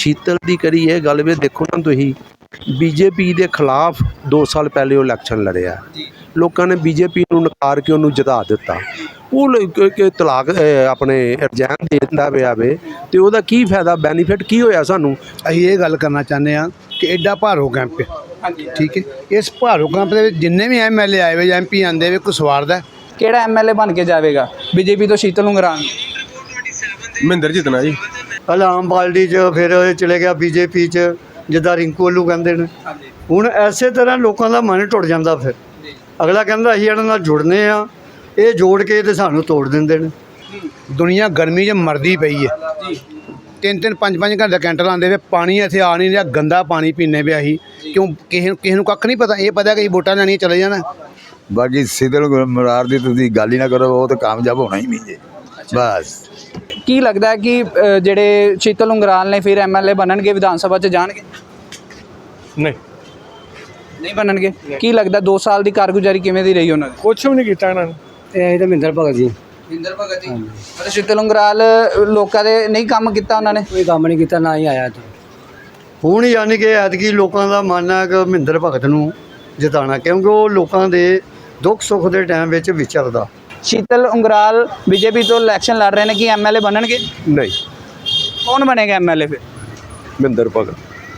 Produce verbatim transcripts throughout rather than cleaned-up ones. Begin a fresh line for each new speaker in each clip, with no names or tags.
शीतल की करी ये गल भी देखो ना तुम बीजेपी के खिलाफ दो साल पहले वो इलैक्शन लड़िया लोगों ने बीजेपी को नकार के उन्होंने जिता दिता वो तलाक अपने रिजाइन दे दिता पिया वे तो वह की फायदा बैनीफिट की होया सानू।
असीं ये गल करना चाहते हैं कि एडा भारो कैंप है ठीक है इस भारो कैंप के जिन्ने भी एम एल ए आए हुए एम पी आते हुए कोई स्वार्थ है
ਕਿਹੜਾ ਐਮਐਲਏ ਬਣ ਕੇ ਜਾਵੇਗਾ ਬੀਜੇਪੀ ਤੋਂ ਸ਼ੀਤਲ ਉਂਗਰਾਨ
ਮਹਿੰਦਰ ਜਿੱਤਣਾ ਜੀ।
ਪਹਿਲਾਂ ਆਮ ਪਾਰਟੀ 'ਚ ਫਿਰ ਚਲੇ ਗਿਆ ਬੀਜੇਪੀ 'ਚ ਜਿੱਦਾਂ ਰਿੰਕੂ ਵੱਲੂ ਕਹਿੰਦੇ ਨੇ ਹੁਣ ਐਸੇ ਤਰ੍ਹਾਂ ਲੋਕਾਂ ਦਾ ਮਨ ਟੁੱਟ ਜਾਂਦਾ ਫਿਰ ਅਗਲਾ ਕਹਿੰਦਾ ਅਸੀਂ ਇਹਨਾਂ ਨਾਲ ਜੁੜਨੇ ਆ ਇਹ ਜੋੜ ਕੇ ਤੇ ਸਾਨੂੰ ਤੋੜ ਦਿੰਦੇ ਨੇ।
दुनिया गर्मी च मरदी पई है तीन तीन पाँच पाँच घंटे कैंटर आते हुए पानी इत्थे आ नहीं रहा गंदा पानी पीने पे अही क्यों किसी किसी को कख नहीं पता ये पता कि वोटां लैनियां चले जाना।
बाकी शीतल मुरार की तुसीं गल ही ना करो वो तो कामयाब होना ही नहीं जे बस।
ਕੀ ਲੱਗਦਾ ਹੈ ਕਿ ਅ, ਜਿਹੜੇ ਸ਼ੀਤਲ ਉਂਗਰਾਨ ਨੇ ਫਿਰ ਐਮਐਲਏ ਬਣਨਗੇ ਵਿਧਾਨ ਸਭਾ 'ਚ ਜਾਣਗੇ
ਨਹੀਂ
ਨਹੀਂ ਬਣਨਗੇ ਕੀ ਲੱਗਦਾ ਦੋ ਸਾਲ ਦੀ ਕਾਰਗੁਜ਼ਾਰੀ ਕਿਵੇਂ ਦੀ ਰਹੀ ਉਹਨਾਂ ਦੀ
ਕੁਛ ਵੀ ਨਹੀਂ ਕੀਤਾ ਇਹਨਾਂ ਨੇ।
ਇਹ ਤਾਂ ਮਹਿੰਦਰ ਭਗਤ ਜੀ
ਇੰਦਰ ਭਗਤ ਜੀ ਅਤੇ ਸ਼ੀਤਲ ਉਂਗਰਾਲ ਲੋਕਾਂ ਦੇ ਨਹੀਂ ਕੰਮ ਕੀਤਾ ਉਹਨਾਂ ਨੇ
ਕੋਈ ਕੰਮ ਨਹੀਂ ਕੀਤਾ ਨਾ ਹੀ ਆਇਆ ਇੱਥੇ ਹੁਣ ਯਾਨੀ ਕਿ ਐਤਕੀ ਲੋਕਾਂ ਦਾ ਮਨ ਹੈ ਕਿ ਮਹਿੰਦਰ ਭਗਤ ਨੂੰ ਜਿਤਾਉਣਾ ਕਿਉਂਕਿ ਉਹ ਲੋਕਾਂ ਦੇ ਦੁੱਖ ਸੁੱਖ ਦੇ ਟਾਈਮ ਵਿੱਚ ਵਿਚਰਦਾ।
ਸ਼ੀਤਲ ਉਂਗਰਾਲ ਬੀਜੇਪੀ ਤੋਂ ਇਲੈਕਸ਼ਨ ਲੜ ਰਹੇ ਨੇ ਕਿ ਐਮਐਲਏ ਬਣਨਗੇ
नहीं
ਕੌਣ ਬਣੇਗਾ ਐਮਐਲਏ ਫਿਰ
महिंदर भगत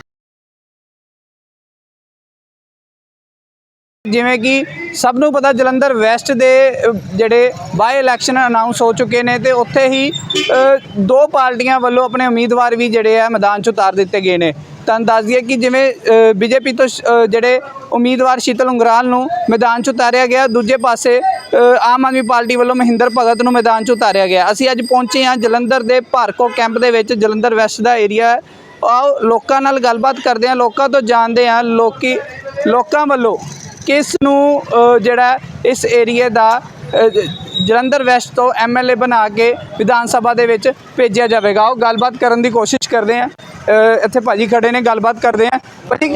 ਜਿਵੇਂ ਕਿ ਸਭ ਨੂੰ ਪਤਾ ਜਲੰਧਰ ਵੈਸਟ ਦੇ ਅ, ਜਿਹੜੇ ਬਾਈ ਇਲੈਕਸ਼ਨ ਅਨਾਉਂਸ ਹੋ ਚੁੱਕੇ ਨੇ ਤੇ ਉੱਥੇ ਹੀ ਅ, ਦੋ ਪਾਰਟੀਆਂ ਵੱਲੋਂ ਆਪਣੇ ਉਮੀਦਵਾਰ ਵੀ ਜਿਹੜੇ ਆ ਮੈਦਾਨ 'ਚ ਉਤਾਰ ਦਿੱਤੇ ਗਏ ਨੇ। ਤੁਹਾਨੂੰ ਦੱਸ ਦਈਏ ਕਿ ਜਿਵੇਂ ਬੀਜੇਪੀ ਤੋਂ ਸ਼- ਅ, ਜਿਹੜੇ ਉਮੀਦਵਾਰ ਸ਼ੀਤਲ ਉਂਗਰਾਲ ਨੂੰ ਮੈਦਾਨ 'ਚ ਉਤਾਰਿਆ ਗਿਆ ਦੂਜੇ ਪਾਸੇ ਅ, ਆਮ ਆਦਮੀ ਪਾਰਟੀ ਵੱਲੋਂ ਮਹਿੰਦਰ ਭਗਤ ਨੂੰ ਮੈਦਾਨ 'ਚ ਉਤਾਰਿਆ ਗਿਆ। ਅਸੀਂ ਅੱਜ ਪਹੁੰਚੇ ਹਾਂ ਜਲੰਧਰ ਦੇ ਭਾਰਕੋ ਕੈਂਪ ਦੇ ਵਿੱਚ ਜਲੰਧਰ ਵੈਸਟ ਦਾ ਏਰੀਆ ਹੈ। ਆਓ ਲੋਕਾਂ ਨਾਲ ਗੱਲਬਾਤ ਕਰਦੇ ਹਾਂ ਲੋਕਾਂ ਤੋਂ ਜਾਣਦੇ ਹਾਂ ਲੋਕੀ ਲੋਕਾਂ ਵੱਲੋਂ ਕਿਸ ਨੂੰ ਅ, ਜਿਹੜਾ ਇਸ ਏਰੀਏ ਦਾ ਅ, ਜ- ਜਲੰਧਰ ਵੈਸਟ ਤੋਂ ਐਮਐਲਏ ਬਣਾ ਕੇ ਵਿਧਾਨ ਸਭਾ ਦੇ ਵਿੱਚ ਭੇਜਿਆ ਜਾਵੇਗਾ। ਉਹ ਗੱਲਬਾਤ ਕਰਨ ਦੀ ਕੋਸ਼ਿਸ਼ ਕਰਦੇ ਆ। ਅ, ਇੱਥੇ ਭਾਜੀ ਖੜੇ ਨੇ ਗੱਲਬਾਤ ਕਰਦੇ ਆ ਭਾਜੀ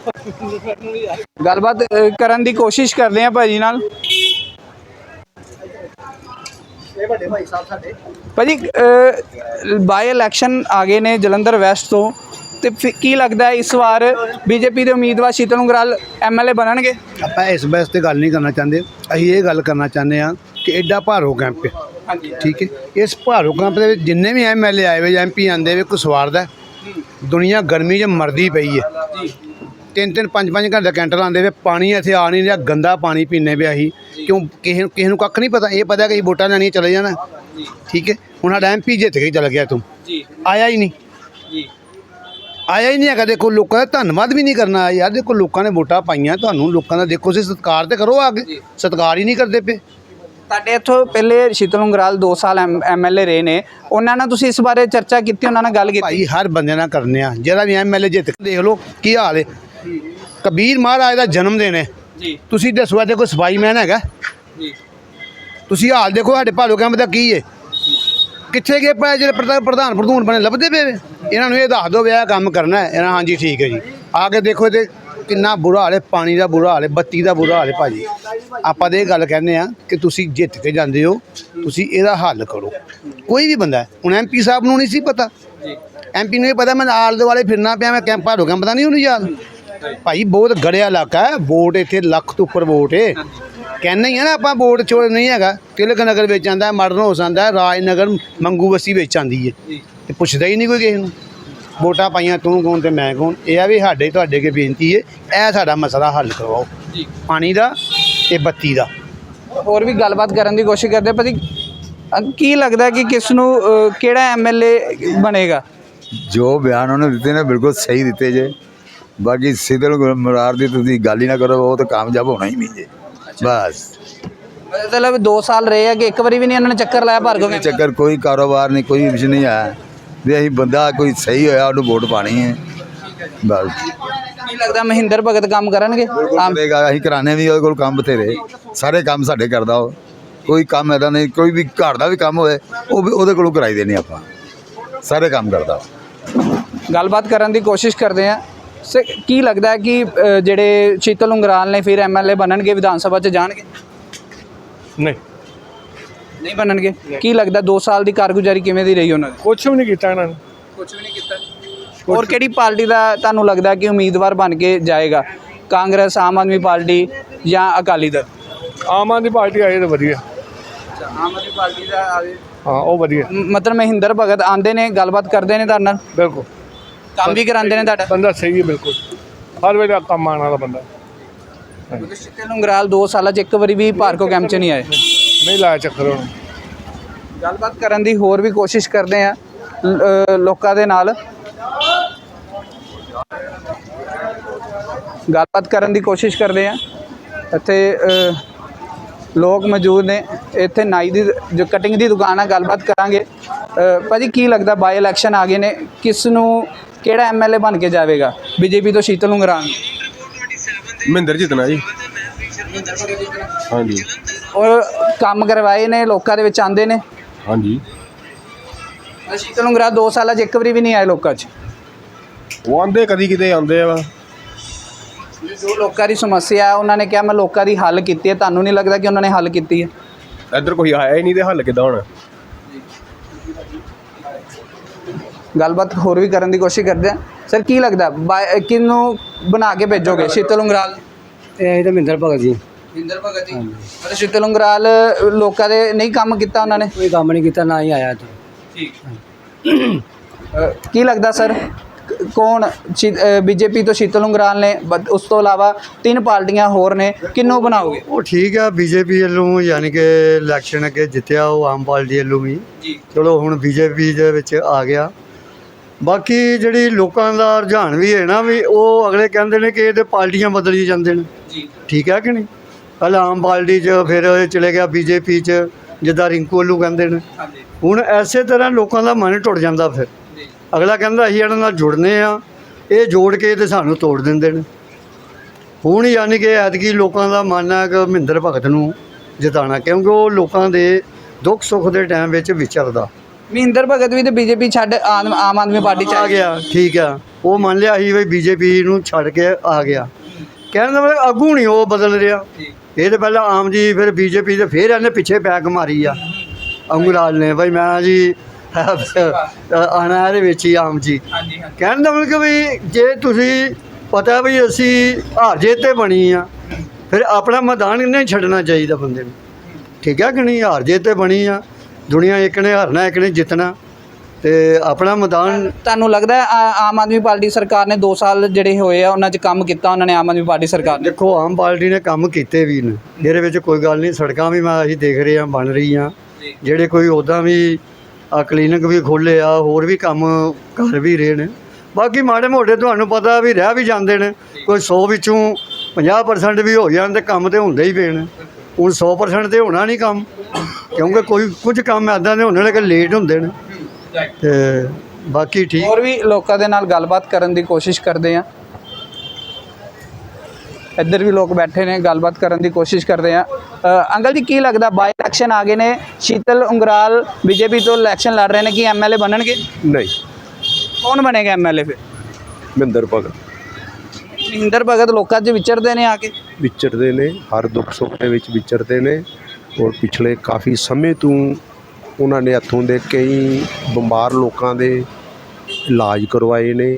ਗੱਲਬਾਤ ਅ, ਕਰਨ ਦੀ ਕੋਸ਼ਿਸ਼ ਕਰਦੇ ਆ ਭਾਜੀ ਨਾਲ। ਭਾਜੀ ਬਾਈ ਇਲੈਕਸ਼ਨ ਆ ਗਏ ਨੇ ਜਲੰਧਰ ਵੈਸਟ ਤੋਂ ਤੇ ਫਿਰ ਕੀ ਲੱਗਦਾ ਹੈ ਇਸ ਵਾਰ ਬੀਜੇਪੀ ਦੇ ਉਮੀਦਵਾਰ ਸ਼ੀਤਲ ਉਂਗਰਾਲ ਐਮਐਲਏ ਬਣਨਗੇ
ਆਪਾਂ ਇਸ ਬਹਿਸ ਤੇ ਗੱਲ ਨਹੀਂ ਕਰਨਾ ਚਾਹੁੰਦੇ ਅਸੀਂ ਇਹ ਗੱਲ ਕਰਨਾ ਚਾਹੁੰਦੇ ਹਾਂ ਕਿ ਐਡਾ ਭਾਰੋ कैंप है
ਹਾਂਜੀ
ठीक है इस भारो कैंप के जिन्ने भी एम एल ए आए हुए एम पी आते हुए कोई स्वार्थ है दुनिया गर्मी च मरदी पई है तीन तीन पाँच पाँच घंटे कैंटर आते हुए पानी इत्थे आ नहीं रहा गंदा पानी पीने पे अही क्यों किसी किसी को कख नहीं पता ये पता कि वोटां लैनियां चले जाना। ठीक है हुण साडा एम पी जित के चल गया तू
ਜੀ
आया ही नहीं
ਜੀ
ਆਇਆ ਹੀ ਨਹੀਂ ਹੈਗਾ। ਦੇਖੋ ਲੋਕਾਂ ਦਾ ਧੰਨਵਾਦ ਵੀ ਨਹੀਂ ਕਰਨਾ ਯਾਰ ਦੇਖੋ ਲੋਕਾਂ ਨੇ ਵੋਟਾਂ ਪਾਈਆਂ ਤੁਹਾਨੂੰ ਲੋਕਾਂ ਦਾ ਦੇਖੋ ਤੁਸੀਂ ਸਤਿਕਾਰ ਤੇ ਕਰੋ ਅੱਗੇ ਸਤਿਕਾਰ ਹੀ ਨਹੀਂ ਕਰਦੇ ਪਏ।
ਤੁਹਾਡੇ ਇੱਥੋਂ ਪਹਿਲੇ ਸ਼ੀਤਲ ਉਂਗਰਾਲ ਦੋ ਸਾਲ ਐਮਐਲਏ ਰਹੇ ਨੇ ਉਹਨਾਂ ਨਾਲ ਤੁਸੀਂ ਇਸ ਬਾਰੇ ਚਰਚਾ ਕੀਤੀ ਉਹਨਾਂ ਨਾਲ ਗੱਲ ਕੀਤੀ
ਭਾਈ ਹਰ ਬੰਦੇ ਨਾਲ ਕਰਨੇ ਆ ਜਿਹੜਾ ਵੀ ਐਮ ਐਲ ਏ ਜਿੱਤ ਕੇ ਦੇਖ ਲਓ ਕੀ ਹਾਲ ਹੈ। ਕਬੀਰ ਮਹਾਰਾਜ ਦਾ ਜਨਮ ਦਿਨ ਹੈ
ਜੀ
ਤੁਸੀਂ ਦੱਸੋ ਇੱਥੇ ਕੋਈ ਸਫਾਈ ਮੈਨ ਹੈਗਾ
ਜੀ
ਤੁਸੀਂ ਹਾਲ ਦੇਖੋ ਸਾਡੇ ਭਾਲੋ ਕੈਂਪ ਦਾ ਕੀ ਹੈ ਕਿੱਥੇ ਗਏ ਪਏ ਜਿਹੜੇ ਪ੍ਰਧਾਨ ਪ੍ਰਧਾਨ ਪ੍ਰਧੂਨ ਬਣੇ ਲੱਭਦੇ ਪਏ ਵੇ। ਇਹਨਾਂ ਨੂੰ ਇਹ ਦੱਸ ਦਿਓ ਵੀ ਇਹ ਕੰਮ ਕਰਨਾ ਹੈ ਇਹਨਾਂ ਹਾਂਜੀ ਠੀਕ ਹੈ ਜੀ ਆ ਕੇ ਦੇਖੋ ਤੇ ਕਿੰਨਾ ਬੁਰਾ ਹਾਲ ਹੈ ਪਾਣੀ ਦਾ ਬੁਰਾ ਹਾਲ ਹੈ ਬੱਤੀ ਦਾ ਬੁਰਾ ਹਾਲ ਹੈ ਭਾਜੀ। ਆਪਾਂ ਤਾਂ ਇਹ ਗੱਲ ਕਹਿੰਦੇ ਆ ਕਿ ਤੁਸੀਂ ਜਿੱਤ ਕੇ ਜਾਂਦੇ ਹੋ ਤੁਸੀਂ ਇਹਦਾ ਹੱਲ ਕਰੋ। ਕੋਈ ਵੀ ਬੰਦਾ ਹੁਣ ਐਮ ਪੀ ਸਾਹਿਬ ਨੂੰ ਨਹੀਂ ਸੀ ਪਤਾ ਐਮ ਪੀ ਨੂੰ ਇਹ ਪਤਾ ਮੈਂ ਆਲੇ ਦੁਆਲੇ ਫਿਰਨਾ ਪਿਆ ਮੈਂ ਕੈਂਪ ਭਾਰੋ ਕੈਂਪ ਦਾ ਨਹੀਂ ਉਹਨੂੰ ਯਾਦ ਭਾਈ ਬਹੁਤ ਗੜਿਆ ਇਲਾਕਾ ਹੈ ਵੋਟ ਇੱਥੇ ਲੱਖ ਤੋਂ ਉੱਪਰ ਵੋਟ ਹੈ ਕਹਿੰਦੇ ਹੀ ਆ ਨਾ ਆਪਾਂ ਵੋਟ ਚੋਰ ਨਹੀਂ ਹੈਗਾ ਤਿਲਕ ਨਗਰ ਵਿੱਚ ਆਉਂਦਾ ਮਾਡਰਨ ਹਾਊਸ ਆਉਂਦਾ ਰਾਜਨਗਰ ਮੰਗੂ ਬਸਤੀ ਵਿੱਚ ਆਉਂਦੀ ਹੈ ਤੇ ਪੁੱਛਦਾ ਹੀ ਨਹੀਂ ਕੋਈ ਕਿਸੇ ਨੂੰ ਵੋਟਾਂ ਪਾਈਆਂ ਤੂੰ ਕੌਣ ਤੇ ਮੈਂ ਕੌਣ। ਇਹ ਆ ਵੀ ਸਾਡੇ ਤੁਹਾਡੇ ਅੱਗੇ ਬੇਨਤੀ ਹੈ ਇਹ ਸਾਡਾ ਮਸਲਾ ਹੱਲ ਕਰਵਾਓ ਪਾਣੀ ਦਾ ਤੇ ਬੱਤੀ ਦਾ।
ਹੋਰ ਵੀ ਗੱਲਬਾਤ ਕਰਨ ਦੀ ਕੋਸ਼ਿਸ਼ ਕਰਦੇ ਭਾਜੀ ਅ, ਕੀ ਲੱਗਦਾ ਕਿ ਕਿਸ ਨੂੰ ਅ, ਕਿਹੜਾ ਐਮਐਲਏ ਬਣੇਗਾ
जो बयान उन्होंने दिते ने बिल्कुल सही दिते जे बाकी शीतल मुरार की तुसीं गल ही ना करो वो तो कामयाब होना ही नहीं जे बस।
ਮਤਲਬ ਦੋ ਸਾਲ ਰਹੇ ਆ ਕਿ ਇੱਕ ਵਾਰੀ ਵੀ ਨਹੀਂ ਉਹਨਾਂ ਨੇ ਚੱਕਰ ਲਾਇਆ ਭਾਰਗੋ
कोई चक्कर कोई कारोबार नहीं कोई कुछ नहीं आया भी असीं बंदा कोई सही होया उन्होंने वोट पानी है बस।
ਕੀ ਲੱਗਦਾ ਮਹਿੰਦਰ ਭਗਤ ਕੰਮ ਕਰਨਗੇ ਆਮ
करेगा असीं कराने भी ਉਹਦੇ ਕੋਲ ਕੰਮ ਬਥੇਰੇ ਸਾਰੇ ਕੰਮ ਸਾਡੇ ਕਰਦਾ ਉਹ ਕੋਈ ਕੰਮ ऐसा नहीं कोई भी घर का भी काम होए ਉਹ ਵੀ ਉਹਦੇ ਕੋਲੋਂ कराई देने ਆਪਾਂ ਸਾਰੇ ਕੰਮ ਕਰਦਾ।
ਗੱਲਬਾਤ ਕਰਨ ਦੀ ਕੋਸ਼ਿਸ਼ ਕਰਦੇ ਆ ਸੇ ਕੀ ਲੱਗਦਾ ਹੈ ਕਿ ਅ, ਜਿਹੜੇ ਸ਼ੀਤਲ ਉਂਗਰਾਲ ਨੇ ਫਿਰ ਐਮਐਲਏ ਬਣਨਗੇ ਵਿਧਾਨ ਸਭਾ 'ਚ ਜਾਣਗੇ
ਨਹੀਂ
ਨਹੀਂ ਬਣਨਗੇ ਕੀ ਲੱਗਦਾ ਦੋ ਸਾਲ ਦੀ ਕਾਰਗੁਜ਼ਾਰੀ ਕਿਵੇਂ ਦੀ ਰਹੀ ਉਹਨਾਂ ਦੀ
ਕੁਛ ਵੀ ਨਹੀਂ ਕੀਤਾ ਇਹਨਾਂ ਨੇ।
ਕੁਝ ਵੀ ਨਹੀਂ ਕੀਤਾ ਹੋਰ ਕਿਹੜੀ ਪਾਰਟੀ ਦਾ ਤੁਹਾਨੂੰ ਲੱਗਦਾ ਕਿ ਉਮੀਦਵਾਰ ਬਣ ਕੇ ਜਾਏਗਾ? ਕਾਂਗਰਸ, ਆਮ ਆਦਮੀ ਪਾਰਟੀ ਜਾਂ ਅਕਾਲੀ ਦਲ?
ਆਮ ਆਦਮੀ ਪਾਰਟੀ ਆਏ ਤਾਂ ਵਧੀਆ।
ਆਮ ਆਦਮੀ ਪਾਰਟੀ ਦਾ ਆਵੇ।
ਹਾਂ ਉਹ ਵਧੀਆ,
ਮਤਲਬ ਮਹਿੰਦਰ ਭਗਤ ਆਂਦੇ ਨੇ, ਗੱਲਬਾਤ ਕਰਦੇ ਨੇ ਤੁਹਾਡੇ ਨਾਲ,
ਬਿਲਕੁਲ
ਕੰਮ ਵੀ ਕਰਾਉਂਦੇ ਨੇ ਤੁਹਾਡਾ?
ਬੰਦਾ ਸਹੀ ਹੈ, ਬਿਲਕੁਲ ਹਰ ਵੇਲੇ ਕੰਮ ਆਉਣ ਵਾਲਾ ਬੰਦਾ।
ਸ਼ੀਤਲ ਉਂਗਰਾਲ ਦੋ ਸਾਲਾਂ 'ਚ ਇੱਕ ਵਾਰੀ ਵੀ ਭਾਰਗੋ ਕੈਂਪ 'ਚ ਨਹੀਂ ਆਏ।
ਨਹੀਂ ਲਾਇਆ ਚੱਕਰ ਹੁਣ।
ਗੱਲਬਾਤ ਕਰਨ ਦੀ ਹੋਰ ਵੀ ਕੋਸ਼ਿਸ਼ ਕਰਦੇ ਆ ਲੋਕਾਂ ਦੇ ਨਾਲ, ਗੱਲਬਾਤ ਕਰਨ ਦੀ ਕੋਸ਼ਿਸ਼ ਕਰਦੇ ਆ। ਇੱਥੇ ਅ, ਲੋਕ ਮੌਜੂਦ ਨੇ। ਇੱਥੇ ਨਾਈ ਦੀ ਜੋ ਕਟਿੰਗ ਦੀ ਦੁਕਾਨ ਆ, ਗੱਲਬਾਤ ਕਰਾਂਗੇ। ਅ, ਭਾਜੀ ਕੀ ਲੱਗਦਾ ਬਾਈ ਇਲੈਕਸ਼ਨ ਆ ਗਏ ਨੇ, ਕਿਸ ਨੂੰ ਕਿਹੜਾ ਐਮਐਲਏ ਬਣ ਕੇ ਜਾਵੇਗਾ? ਬੀਜੇਪੀ ਤੋਂ ਸ਼ੀਤਲ ਉਂਗਰਾਲ,
ਮਹਿੰਦਰ ਜਿੱਤਣਾ ਜੀ। ਹਾਂਜੀ
ਔਰ ਕੰਮ ਕਰਵਾਏ ਨੇ, ਲੋਕਾਂ ਦੇ ਵਿੱਚ ਆਂਦੇ ਨੇ।
ਹਾਂਜੀ,
ਸ਼ੀਤਲ ਉਂਗਰਾਲ ਦੋ ਸਾਲਾਂ 'ਚ ਇੱਕ ਵਾਰੀ ਵੀ ਨਹੀਂ ਆਏ ਲੋਕਾਂ 'ਚ।
ਉਹ ਆਉਂਦੇ ਕਦੀ ਕਿਤੇ ਆਉਂਦੇ ਆ।
ਜੋ ਲੋਕਾਂ ਦੀ ਸਮੱਸਿਆ ਹੈ ਉਹਨਾਂ ਨੇ ਕਿਹਾ ਮੈਂ ਲੋਕਾਂ ਦੀ ਹੱਲ ਕੀਤੀ ਹੈ, ਤੁਹਾਨੂੰ ਨਹੀਂ ਲੱਗਦਾ ਕਿ ਉਹਨਾਂ ਨੇ ਹੱਲ ਕੀਤੀ ਹੈ?
ਇੱਧਰ ਕੋਈ ਆਇਆ ਹੀ ਨਹੀਂ ਤੇ ਹੱਲ ਕਿੱਦਾਂ ਹੋਣਾ?
ਗੱਲਬਾਤ ਹੋਰ ਵੀ ਕਰਨ ਦੀ ਕੋਸ਼ਿਸ਼ ਕਰਦੇ ਆ। ਸਰ ਕੀ ਲੱਗਦਾ ਕਿਹਨੂੰ ਬਣਾ ਕੇ ਭੇਜੋਗੇ, ਸ਼ੀਤਲ ਉਂਗਰਾਲ?
ਇਹ ਤਾਂ ਮਹਿੰਦਰ ਭਗਤ ਜੀ।
ਮਹਿੰਦਰ ਭਗਤ ਜੀ। ਪਰ ਸ਼ੀਤਲ ਉਂਗਰਾਲ ਲੋਕਾਂ ਦੇ ਨਹੀਂ ਕੰਮ ਕੀਤਾ ਉਹਨਾਂ ਨੇ?
ਕੋਈ ਕੰਮ ਨਹੀਂ ਕੀਤਾ, ਨਾ ਹੀ ਆਇਆ ਇੱਥੇ।
ਠੀਕ। ਕੀ ਲੱਗਦਾ ਸਰ ਕੌਣ, ਬੀਜੇਪੀ ਤੋਂ ਸ਼ੀਤਲ ਉਂਗਰਾਲ ਨੇ, ਬ- ਉਸ ਤੋਂ ਇਲਾਵਾ ਤਿੰਨ ਪਾਰਟੀਆਂ ਹੋਰ ਨੇ, ਕਿਹਨੂੰ ਬਣਾਓਗੇ?
ਉਹ ਠੀਕ ਆ, ਬੀਜੇਪੀ ਵੱਲੋਂ ਯਾਨੀ ਕਿ ਇਲੈਕਸ਼ਨ ਅੱਗੇ ਜਿੱਤਿਆ ਉਹ ਆਮ ਪਾਰਟੀ ਵੱਲੋਂ ਵੀ।
ਜੀ।
ਚਲੋ ਹੁਣ ਬੀਜੇਪੀ ਦੇ ਵਿੱਚ ਆ ਗਿਆ। ਬਾਕੀ ਜਿਹੜੀ ਲੋਕਾਂ ਦਾ ਰੁਝਾਨ ਵੀ ਹੈ ਨਾ, ਵੀ ਉਹ ਅਗਲੇ ਕਹਿੰਦੇ ਨੇ ਕਿ ਇਹ ਤੇ ਪਾਰਟੀਆਂ ਬਦਲੀ ਜਾਂਦੇ ਨੇ।
ਜੀ।
ਠੀਕ ਹੈ ਕਿ ਨਹੀਂ? ਪਹਿਲਾਂ ਆਮ ਪਾਰਟੀ 'ਚ, ਫਿਰ ਇਹ ਚਲੇ ਗਿਆ ਬੀਜੇਪੀ 'ਚ, ਜਿੱਦਾਂ ਰਿੰਕੂ ਵੱਲੋਂ ਕਹਿੰਦੇ ਨੇ।
ਹਾਂਜੀ।
ਹੁਣ ਐਸੇ ਤਰ੍ਹਾਂ ਲੋਕਾਂ ਦਾ ਮਨ ਟੁੱਟ ਜਾਂਦਾ। ਫਿਰ
ਜੀ।
ਅਗਲਾ ਕਹਿੰਦਾ ਅਸੀਂ ਇਹਨਾਂ ਨਾਲ ਜੁੜਨੇ ਆ, ਇਹ ਜੋੜ ਕੇ ਤੇ ਸਾਨੂੰ ਤੋੜ ਦਿੰਦੇ ਨੇ। ਹੁਣ ਯਾਨੀ ਕਿ ਐਤਕੀ ਲੋਕਾਂ ਦਾ ਮਨ ਹੈ ਕਿ ਮਹਿੰਦਰ ਭਗਤ ਨੂੰ ਜਿਤਾਉਣਾ, ਕਿਉਂਕਿ ਉਹ ਲੋਕਾਂ ਦੇ ਦੁੱਖ ਸੁੱਖ ਦੇ ਟਾਈਮ ਵਿੱਚ ਵਿਚਰਦਾ।
ਮਹਿੰਦਰ ਭਗਤ ਵੀ ਤੇ ਬੀਜੇਪੀ ਛੱਡ ਆਮ ਆਮ ਆਦਮੀ ਪਾਰਟੀ 'ਚ
ਆ ਗਿਆ। ਠੀਕ ਆ, ਉਹ ਮੰਨ ਲਿਆ ਸੀ ਵੀ ਬੀਜੇਪੀ ਨੂੰ ਛੱਡ ਕੇ ਆ ਗਿਆ। ਕਹਿਣ ਦਾ ਮਤਲਬ ਆਗੂ ਨਹੀਂ ਉਹ ਬਦਲ ਰਿਹਾ। ਇਹ ਤਾਂ ਪਹਿਲਾਂ ਆਮ ਜੀ, ਫਿਰ ਬੀਜੇਪੀ ਤੇ ਫਿਰ ਇਹਨੇ ਪਿੱਛੇ ਬੈਕ ਮਾਰੀ ਆ ਅੰਗੂਰਾਲ ਨੇ, ਬਈ ਮੈਂ ਜੀ ਆਉਣਾ ਇਹਦੇ ਵਿੱਚ ਹੀ ਆਮ ਜੀ।
ਹਾਂਜੀ ਹਾਂਜੀ।
ਕਹਿਣ ਦਾ ਮਤਲਬ ਵੀ ਜੇ ਤੁਸੀਂ ਪਤਾ ਵੀ ਅਸੀਂ ਹਾਰ ਜੇ ਤੇ ਬਣੀ ਆ, ਫਿਰ ਆਪਣਾ ਮੈਦਾਨ ਨਹੀਂ ਛੱਡਣਾ ਚਾਹੀਦਾ ਬੰਦੇ ਨੂੰ। ਠੀਕ ਹੈ ਕਿ ਨਹੀਂ? ਹਾਰ ਜੇ ਤੇ ਬਣੀ ਆ, ਦੁਨੀਆ ਇੱਕ ਨੇ ਹਾਰਨਾ, ਇੱਕ ਨੇ ਜਿੱਤਣਾ, ਤੇ ਆਪਣਾ ਮੈਦਾਨ।
ਤੁਹਾਨੂੰ ਲੱਗਦਾ ਹੈ ਆ- ਆਮ ਆਦਮੀ ਪਾਰਟੀ ਸਰਕਾਰ ਨੇ ਦੋ ਸਾਲ ਜਿਹੜੇ ਹੋਏ ਆ ਉਹਨਾਂ 'ਚ ਕੰਮ ਕੀਤਾ ਉਹਨਾਂ ਨੇ, ਆਮ ਆਦਮੀ ਪਾਰਟੀ ਸਰਕਾਰ ਨੇ?
ਦੇਖੋ ਆਮ ਪਾਰਟੀ ਨੇ ਕੰਮ ਕੀਤੇ ਵੀ ਨੇ, ਇਹਦੇ ਵਿੱਚ ਕੋਈ ਗੱਲ ਨਹੀਂ। ਸੜਕਾਂ ਵੀ ਮੈਂ ਅਸੀਂ ਦੇਖ ਰਹੇ ਹਾਂ ਬਣ ਰਹੀਆਂ, ਜਿਹੜੇ ਕੋਈ ਉੱਦਾਂ ਵੀ ਆ ਕਲੀਨਿਕ ਵੀ ਖੋਲ੍ਹੇ ਆ, ਹੋਰ ਵੀ ਕੰਮ ਕਰ ਵੀ ਰਹੇ ਨੇ। ਬਾਕੀ ਮਾੜੇ ਮੋਟੇ ਤੁਹਾਨੂੰ ਪਤਾ ਵੀ ਰਹਿ ਵੀ ਜਾਂਦੇ ਨੇ, ਕੋਈ ਸੌ ਵਿੱਚੋਂ ਪੰਜਾਹ ਪਰਸੈਂਟ ਵੀ ਹੋ ਜਾਣ ਤੇ ਕੰਮ ਤੇ ਹੁੰਦੇ ਹੀ ਪਏ ਨੇ। ਹੁਣ ਸੌ ਪਰਸੈਂਟ ਤੇ ਹੋਣਾ ਨਹੀਂ ਕੰਮ, ਕਿਉਂਕਿ ਕੋਈ ਕੁਝ ਕੰਮ ਇੱਦਾਂ ਦੇ ਹੁੰਦੇ ਨੇ ਕਿ ਲੇਟ ਹੁੰਦੇ ਨੇ, ਤੇ ਬਾਕੀ ਠੀਕ।
ਹੋਰ ਵੀ ਲੋਕਾਂ ਦੇ ਨਾਲ ਗੱਲਬਾਤ ਕਰਨ ਦੀ ਕੋਸ਼ਿਸ਼ ਕਰਦੇ ਆ। ਇੱਧਰ ਵੀ ਲੋਕ ਬੈਠੇ ਨੇ, ਗੱਲਬਾਤ ਕਰਨ ਦੀ ਕੋਸ਼ਿਸ਼ ਕਰਦੇ ਆ। ਅੰਕਲ ਜੀ ਕੀ ਲੱਗਦਾ ਬਾਈ ਇਲੈਕਸ਼ਨ ਆ ਗਏ ਨੇ, ਸ਼ੀਤਲ ਉਂਗਰਾਲ ਬੀਜੇਪੀ ਤੋਂ ਇਲੈਕਸ਼ਨ ਲੜ ਰਹੇ ਨੇ, ਕੀ ਐਮਐਲਏ ਬਣਨਗੇ?
ਨਹੀਂ,
ਕੌਣ ਬਣੇਗਾ ਐਮਐਲਏ ਫਿਰ?
ਮਹਿੰਦਰ ਭਗਤ
ਮਹਿੰਦਰ ਭਗਤ ਲੋਕਾਂ 'ਚ ਵਿਚਰਦੇ ਨੇ ਆ ਕੇ?
ਵਿਚਰਦੇ ਨੇ, ਹਰ ਦੁੱਖ ਸੁੱਖ ਦੇ ਵਿੱਚ ਵਿਚਰਦੇ ਨੇ। ਔਰ ਪਿਛਲੇ ਕਾਫੀ ਸਮੇਂ ਤੋਂ ਉਹਨਾਂ ਨੇ ਇੱਥੋਂ ਦੇ ਕਈ ਬਿਮਾਰ ਲੋਕਾਂ ਦੇ ਇਲਾਜ ਕਰਵਾਏ ਨੇ।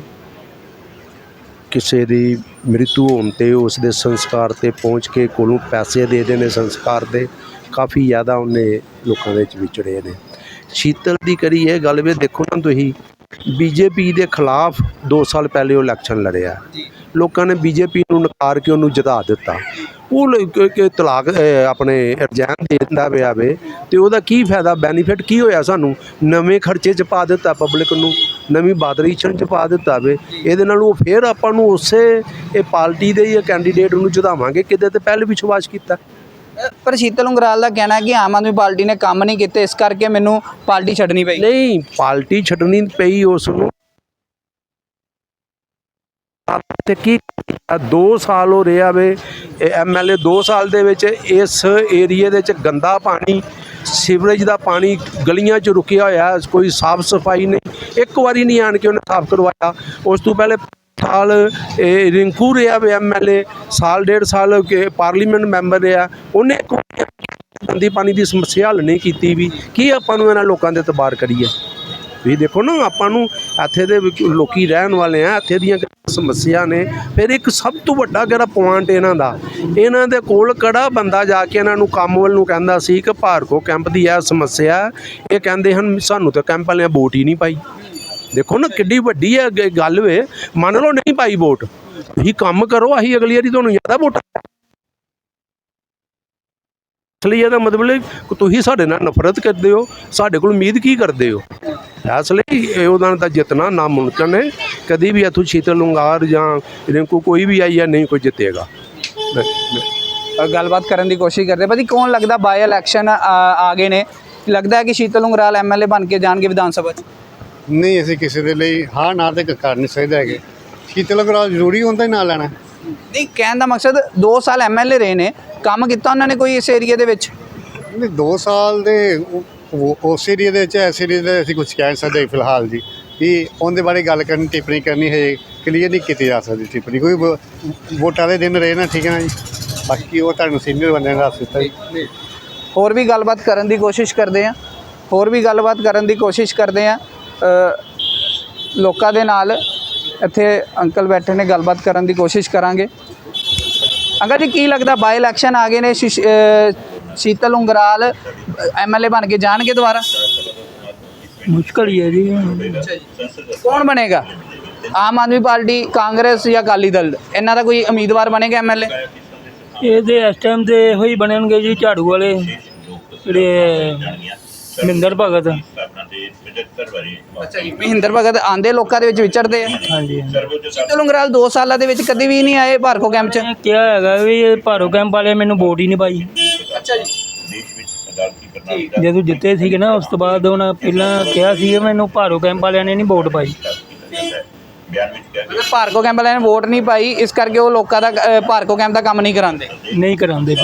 ਕਿਸੇ ਦੀ ਮ੍ਰਿਤੂ ਹੋਣ 'ਤੇ ਉਸ ਦੇ ਸੰਸਕਾਰ 'ਤੇ ਪਹੁੰਚ ਕੇ ਕੋਲੋਂ ਪੈਸੇ ਦੇ ਦੇ ਨੇ ਸੰਸਕਾਰ ਦੇ। ਕਾਫੀ ਜ਼ਿਆਦਾ ਉਹਨੇ ਲੋਕਾਂ ਦੇ ਵਿੱਚ ਵਿਚੜੇ ਨੇ। ਸ਼ੀਤਲ ਦੀ ਕਰੀ ਇਹ ਗੱਲ ਵੀ ਦੇਖੋ ਨਾ ਤੁਸੀਂ, ਬੀਜੇਪੀ ਦੇ ਖਿਲਾਫ ਦੋ ਸਾਲ ਪਹਿਲੇ ਉਹ ਇਲੈਕਸ਼ਨ ਲੜਿਆ। ਲੋਕਾਂ ਨੇ ਬੀਜੇਪੀ ਨੂੰ ਨਕਾਰ ਕੇ ਉਹਨੂੰ ਜਿਤਾ ਦਿੱਤਾ। ਉਹ ਲ- ਕ- ਕ- ਤਲਾਕ ਅ, ਆਪਣੇ ਰਿਜ਼ਾਈਨ ਦੇ ਦਿੰਦਾ ਪਿਆ ਵੇ, ਤੇ ਉਹਦਾ ਕੀ ਫਾਇਦਾ, ਬੈਨੀਫਿਟ ਕੀ ਹੋਇਆ ਸਾਨੂੰ? ਨਵੇਂ ਖਰਚੇ 'ਚ ਪਾ ਦਿੱਤਾ ਪਬਲਿਕ ਨੂੰ, ਨਵੀਂ ਬਾਦਰੀਸ਼ਨ 'ਚ ਪਾ ਦਿੱਤਾ ਵੇ। ਇਹਦੇ ਨਾਲ ਉਹ ਫਿਰ ਆਪਾਂ ਨੂੰ ਉਸੇ ਇਹ ਪਾਰਟੀ ਦੇ ਜਾਂ ਕੈਂਡੀਡੇਟ ਨੂੰ ਜਿਤਾਵਾਂਗੇ ਕਿਤੇ ਤੇ ਪਹਿਲੇ ਵਿਸ਼ਵਾਸ ਕੀਤਾ।
ਪਰ ਸ਼ੀਤਲ ਉਂਗਰਾਲ ਦਾ ਕਹਿਣਾ ਹੈ ਕਿ ਆਮ ਆਦਮੀ ਪਾਰਟੀ ਨੇ ਕੰਮ ਨਹੀਂ ਕੀਤੇ, ਇਸ ਕਰਕੇ ਮੈਨੂੰ ਪਾਰਟੀ ਛੱਡਣੀ ਪਈ।
ਨਹੀਂ, ਪਾਰਟੀ ਛੱਡਣੀ ਪਈ ਉਸ ਨੂੰ ਤੇ ਕੀ ਕੀਤਾ? ਦੋ ਸਾਲ ਹੋ ਰਿਹਾ ਵੇ ਐਮ ਐਲ ਏ। ਦੋ ਸਾਲ ਦੇ ਵਿੱਚ ਇਸ ਏਰੀਏ ਦੇ ਵਿੱਚ ਗੰਦਾ ਪਾਣੀ, ਸੀਵਰੇਜ ਦਾ ਪਾਣੀ ਗਲੀਆਂ 'ਚ ਰੁਕਿਆ ਹੋਇਆ, ਕੋਈ ਸਾਫ ਸਫਾਈ ਨਹੀਂ। ਇੱਕ ਵਾਰੀ ਨਹੀਂ ਆਣ ਕੇ ਉਹਨੇ ਸਾਫ ਕਰਵਾਇਆ। ਉਸ ਤੋਂ ਪਹਿਲੇ ਸਾਲ ਇਹ ਰਿੰਕੂ ਰਿਹਾ ਵੇ ਐਮ ਐਲ ਏ, ਸਾਲ ਡੇਢ ਸਾਲ ਕੇ ਪਾਰਲੀਮੈਂਟ ਮੈਂਬਰ ਰਿਹਾ, ਉਹਨੇ ਇੱਕ ਗੰਦੀ ਪਾਣੀ ਦੀ ਸਮੱਸਿਆ ਹੱਲ ਨਹੀਂ ਕੀਤੀ ਵੀ। ਕੀ ਆਪਾਂ ਨੂੰ ਇਹਨਾਂ ਲੋਕਾਂ ਦੇ ਇਤਬਾਰ ਕਰੀਏ? ਤੁਸੀਂ ਦੇਖੋ ਨਾ ਆਪਾਂ ਨੂੰ ਇੱਥੇ ਦੇ ਵਿੱਚ ਲੋਕੀ ਰਹਿਣ ਵਾਲੇ ਆ, ਇੱਥੇ ਦੀਆਂ ਸਮੱਸਿਆ ਨੇ। ਫਿਰ ਇੱਕ ਸਭ ਤੋਂ ਵੱਡਾ ਕਿਹੜਾ ਪੁਆਇੰਟ ਇਹਨਾਂ ਦਾ, ਇਹਨਾਂ ਦੇ ਕੋਲ ਕਿਹੜਾ ਬੰਦਾ ਜਾ ਕੇ ਇਹਨਾਂ ਨੂੰ ਕੰਮ ਵੱਲ ਨੂੰ ਕਹਿੰਦਾ ਸੀ ਕਿ ਭਾਰਗੋ ਕੈਂਪ ਦੀ ਇਹ ਸਮੱਸਿਆ, ਇਹ ਕਹਿੰਦੇ ਹਨ ਸਾਨੂੰ ਤਾਂ ਕੈਂਪ ਵਾਲਿਆਂ ਵੋਟ ਹੀ ਨਹੀਂ ਪਾਈ। ਦੇਖੋ ਨਾ ਕਿੱਡੀ ਵੱਡੀ ਹੈ ਗ- ਗੱਲ ਵੇ। ਮੰਨ ਲਓ ਨਹੀਂ ਪਾਈ ਵੋਟ, ਤੁਸੀਂ ਕੰਮ ਕਰੋ, ਅਸੀਂ ਅਗਲੀ ਵਾਰੀ ਤੁਹਾਨੂੰ ਜ਼ਿਆਦਾ ਵੋਟ। ਇਸ ਲਈ ਇਹਦਾ ਮਤਲਬ ਹੈ ਕਿ ਤੁਸੀਂ ਸਾਡੇ ਨਾਲ ਨਫ਼ਰਤ ਕਰਦੇ ਹੋ, ਸਾਡੇ ਕੋਲ ਉਮੀਦ ਕੀ ਕਰਦੇ ਹੋ। ਇਸ ਲਈ ਇਹ ਉਹਨਾਂ ਦਾ ਜਿੱਤਣਾ ਨਾਮੁਮਕਿਨ ਹੈ। ਕਦੀ ਵੀ ਇੱਥੋਂ ਸ਼ੀਤਲ ਉਂਗਾਰ ਜਾਂ ਰਿੰਕੂ ਕੋਈ ਵੀ ਆਈ ਹੈ, ਨਹੀਂ ਕੋਈ ਜਿੱਤੇਗਾ।
ਅ, ਗੱਲਬਾਤ ਕਰਨ ਦੀ ਕੋਸ਼ਿਸ਼ ਕਰਦੇ ਭਾਜੀ, ਕੌਣ ਲੱਗਦਾ ਬਾਈ ਇਲੈਕਸ਼ਨ ਆ ਗਏ ਨੇ, ਲੱਗਦਾ ਹੈ ਕਿ ਸ਼ੀਤਲ ਉਂਗਰਾਲ ਐਮਐਲਏ ਬਣ ਕੇ ਜਾਣਗੇ ਵਿਧਾਨ ਸਭਾ 'ਚ?
ਨਹੀਂ, ਅਸੀਂ ਕਿਸੇ ਦੇ ਲਈ ਹਾਂ ਨਾ ਤੇ ਕਰ ਨਹੀਂ ਸਕਦੇ ਹੈਗੇ। ਸ਼ੀਤਲ ਅਗਰਾਲ ਜ਼ਰੂਰੀ ਹੁੰਦਾ ਹੀ ਨਾ ਲੈਣਾ।
ਨਹੀਂ, ਕਹਿਣ ਦਾ ਮਕਸਦ ਦੋ ਸਾਲ ਐਮਐਲਏ ਰਹੇ ਨੇ, ਕੰਮ ਕੀਤਾ ਉਹਨਾਂ ਨੇ ਕੋਈ ਇਸ ਏਰੀਏ ਦੇ ਵਿੱਚ?
ਨਹੀਂ, ਦੋ ਸਾਲ ਦੇ ਉਹ- ਉਸ ਏਰੀਏ ਦੇ ਵਿੱਚ ਇਸ ਏਰੀਏ ਦੇ ਅਸੀਂ ਕੁਝ ਕਹਿ ਨਹੀਂ ਸਕਦੇ ਫਿਲਹਾਲ ਜੀ। ਕਿ ਉਹਦੇ ਬਾਰੇ ਗੱਲ ਕਰਨੀ, ਟਿੱਪਣੀ ਕਰਨੀ ਹੈ, ਕਲੀਅਰ ਨਹੀਂ ਕੀਤੀ ਜਾ ਸਕਦੀ ਟਿੱਪਣੀ। ਕੋਈ ਵੋ- ਵੋਟਾਂ ਦੇ ਦਿਨ ਰਹੇ ਨਾ, ਠੀਕ ਹੈ ਨਾ ਜੀ। ਬਾਕੀ ਉਹ ਤੁਹਾਨੂੰ ਸੀਨੀਅਰ ਬੰਦਿਆਂ ਦਾ ਦੱਸ ਦਿੱਤਾ ਜੀ।
ਹੋਰ ਵੀ ਗੱਲਬਾਤ ਕਰਨ ਦੀ ਕੋਸ਼ਿਸ਼ ਕਰਦੇ ਆ ਹੋਰ ਵੀ ਗੱਲਬਾਤ ਕਰਨ ਦੀ ਕੋਸ਼ਿਸ਼ ਕਰਦੇ ਆ ਲੋਕਾਂ ਦੇ ਨਾਲ। ਇੱਥੇ ਅੰਕਲ ਬੈਠੇ ਨੇ, ਗੱਲਬਾਤ ਕਰਨ ਦੀ ਕੋਸ਼ਿਸ਼ ਕਰਾਂਗੇ। ਅੰਕਲ ਜੀ, ਕੀ ਲੱਗਦਾ ਬਾਈ ਇਲੈਕਸ਼ਨ ਆ ਗਏ ਨੇ, ਸ਼ੀਸ਼- ਅ, ਸ਼ੀਤਲ ਉਂਗਰਾਲ ਐਮਐਲਏ ਬਣ ਕੇ ਜਾਣਗੇ ਦੁਬਾਰਾ?
ਮੁਸ਼ਕਲ ਹੀ ਹੈ ਜੀ।
ਕੌਣ ਬਣੇਗਾ? ਆਮ ਆਦਮੀ ਪਾਰਟੀ, ਕਾਂਗਰਸ ਜਾਂ ਅਕਾਲੀ ਦਲ? ਇਹਨਾਂ ਦਾ ਕੋਈ ਉਮੀਦਵਾਰ ਬਣੇਗਾ ਐਮਐਲਏ?
ਇਹ ਤੇ ਇਸ ਟਾਈਮ ਤੇ ਇਹੋ ਹੀ ਬਣਨਗੇ ਜੀ, ਝਾੜੂ ਵਾਲੇ ਜਿਹੜੇ ਮਹਿੰਦਰ ਭਗਤ।
ਅੱਛਾ ਜੀ, ਮਹਿੰਦਰ ਭਗਤ ਆਂਦੇ ਲੋਕਾਂ ਦੇ ਵਿੱਚ ਵਿਚਰਦੇ ਆ।
ਹਾਂਜੀ,
ਸ਼ੀਤਲ ਉਂਗਰਾਲ ਦੋ ਸਾਲਾਂ ਦੇ ਵਿੱਚ ਕਦੀ ਵੀ ਨਹੀਂ ਆਏ ਭਾਰਗੋ ਕੈਂਪ 'ਚ।
ਇਹ ਕਿਹਾ ਹੈਗਾ ਵੀ ਇਹ ਭਾਰੋ ਕੈਂਪ ਵਾਲੇ ਮੈਨੂੰ ਵੋਟ ਹੀ ਨਹੀਂ ਪਾਈ।
ਅੱਛਾ ਜੀ,
ਜਦੋਂ ਜਿੱਤੇ ਸੀਗੇ ਨਾ, ਉਸ ਤੋਂ ਬਾਅਦ ਉਹਨਾਂ ਪਹਿਲਾਂ ਕਿਹਾ ਸੀ ਮੈਨੂੰ ਭਾਰੋ ਕੈਂਪ ਵਾਲਿਆਂ ਨੇ ਨਹੀਂ ਵੋਟ ਪਾਈ।
ਮਤਲਬ ਭਾਰਗੋ ਕੈਂਪ ਵਾਲਿਆਂ ਨੇ ਵੋਟ ਨਹੀਂ ਪਾਈ, ਇਸ ਕਰਕੇ ਉਹ ਲੋਕਾਂ ਦਾ ਅ, ਭਾਰਗੋ ਕੈਂਪ ਦਾ ਕੰਮ ਨਹੀਂ ਕਰਾਉਂਦੇ।
ਨਹੀਂ ਕਰਾਉਂਦੇ।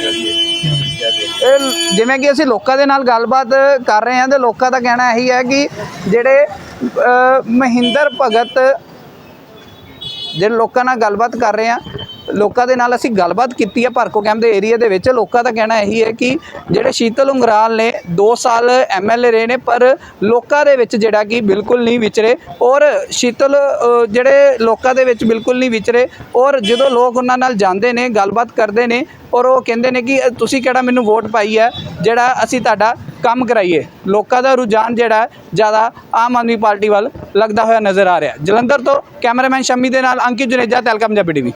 ਇਹ ਜਿਵੇਂ ਕਿ ਅਸੀਂ ਲੋਕਾਂ ਦੇ ਨਾਲ ਗੱਲਬਾਤ ਕਰ ਰਹੇ ਹਾਂ ਤੇ ਲੋਕਾਂ ਦਾ ਕਹਿਣਾ ਇਹੀ ਹੈ ਕਿ ਜਿਹੜੇ ਅ, ਮਹਿੰਦਰ ਭਗਤ, ਜਿਹੜੇ ਲੋਕਾਂ ਨਾਲ ਗੱਲਬਾਤ ਕਰ ਰਹੇ ਹਾਂ, ਲੋਕਾਂ ਦੇ ਨਾਲ ਅਸੀਂ ਗੱਲਬਾਤ ਕੀਤੀ ਹੈ ਭਾਰਗੋ ਕੈਂਪ ਦੇ ਏਰੀਆ ਦੇ ਵਿੱਚ। ਲੋਕਾਂ ਦਾ ਕਹਿਣਾ ਇਹੀ ਹੈ ਕਿ ਜਿਹੜੇ ਸ਼ੀਤਲ ਉਂਗਰਾਲ ਨੇ ਦੋ ਸਾਲ ਐਮਐਲਏ ਰਹੇ ਨੇ, ਪਰ ਲੋਕਾਂ ਦੇ ਵਿੱਚ ਜਿਹੜਾ ਕਿ ਬਿਲਕੁਲ ਨਹੀਂ ਵਿਚਰੇ। ਔਰ ਸ਼ੀਤਲ ਅ, ਜਿਹੜੇ ਲੋਕਾਂ ਦੇ ਵਿੱਚ ਬਿਲਕੁਲ ਨਹੀਂ ਵਿਚਰੇ, ਔਰ ਜਦੋਂ ਲੋਕ ਉਹਨਾਂ ਨਾਲ ਜਾਂਦੇ ਨੇ, ਗੱਲਬਾਤ ਕਰਦੇ ਨੇ, ਔਰ ਉਹ ਕਹਿੰਦੇ ਨੇ ਕਿ ਤੁਸੀਂ ਕਿਹੜਾ ਮੈਨੂੰ ਵੋਟ ਪਾਈ ਹੈ ਜਿਹੜਾ ਅਸੀਂ ਤੁਹਾਡਾ ਕੰਮ ਕਰਾਈਏ। ਲੋਕਾਂ ਦਾ ਰੁਝਾਨ ਜਿਹੜਾ ਜ਼ਿਆਦਾ ਆਮ ਆਦਮੀ ਪਾਰਟੀ ਵੱਲ ਲੱਗਦਾ ਹੋਇਆ ਨਜ਼ਰ ਆ ਰਿਹਾ। ਜਲੰਧਰ ਤੋਂ ਕੈਮਰਾਮੈਨ ਸ਼ਮੀ ਦੇ ਨਾਲ ਅੰਕਿਤ ਜੁਨੇਜਾ, ਤਹਿਲਕਾ ਪੰਜਾਬੀ ਟੀਵੀ।